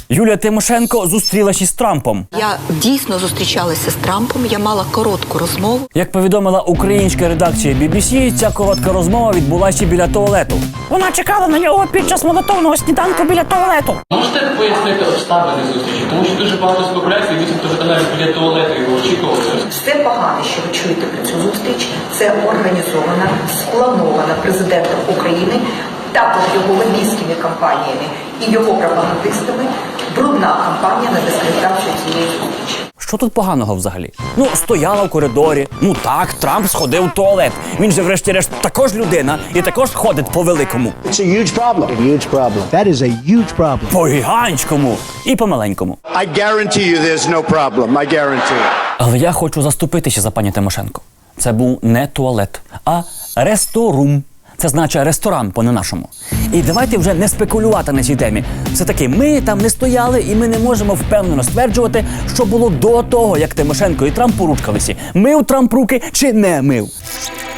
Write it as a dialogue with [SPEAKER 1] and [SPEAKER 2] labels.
[SPEAKER 1] Юлія Тимошенко зустрілася із Трампом.
[SPEAKER 2] Я дійсно зустрічалася з Трампом, я мала коротку розмову.
[SPEAKER 1] Як повідомила українська редакція BBC, ця коротка розмова відбулася біля туалету. Вона чекала на нього під час молитовного сніданку біля туалету.
[SPEAKER 3] Можете пояснити обставини зустрічі? Тому що дуже багато спекуляцій, вісімто вже навіть біля туалету його очікували.
[SPEAKER 2] Все погане, що ви чуєте про цю зустріч, це організована, спланована президентом України, також його лобістськими кампаніями і його пропагандистами, брудна кампанія на дискредитацію цієї зустрічі.
[SPEAKER 1] Що тут поганого взагалі? Ну, стояла в коридорі. Ну так, Трамп сходив в туалет. Він же врешті-решт також людина і також ходить по великому.
[SPEAKER 4] It's a huge problem. A huge problem. That is a huge problem.
[SPEAKER 1] По гігантському і по маленькому.
[SPEAKER 5] I guarantee you there's no problem. I guarantee it.
[SPEAKER 1] Але я хочу заступитися за пані Тимошенко. Це був не туалет, а ресторум. Це значить ресторан по-не-нашому. І давайте вже не спекулювати на цій темі. Все-таки ми там не стояли і ми не можемо впевнено стверджувати, що було до того, як Тимошенко і Трамп поручкалися. Мив Трамп руки чи не мив.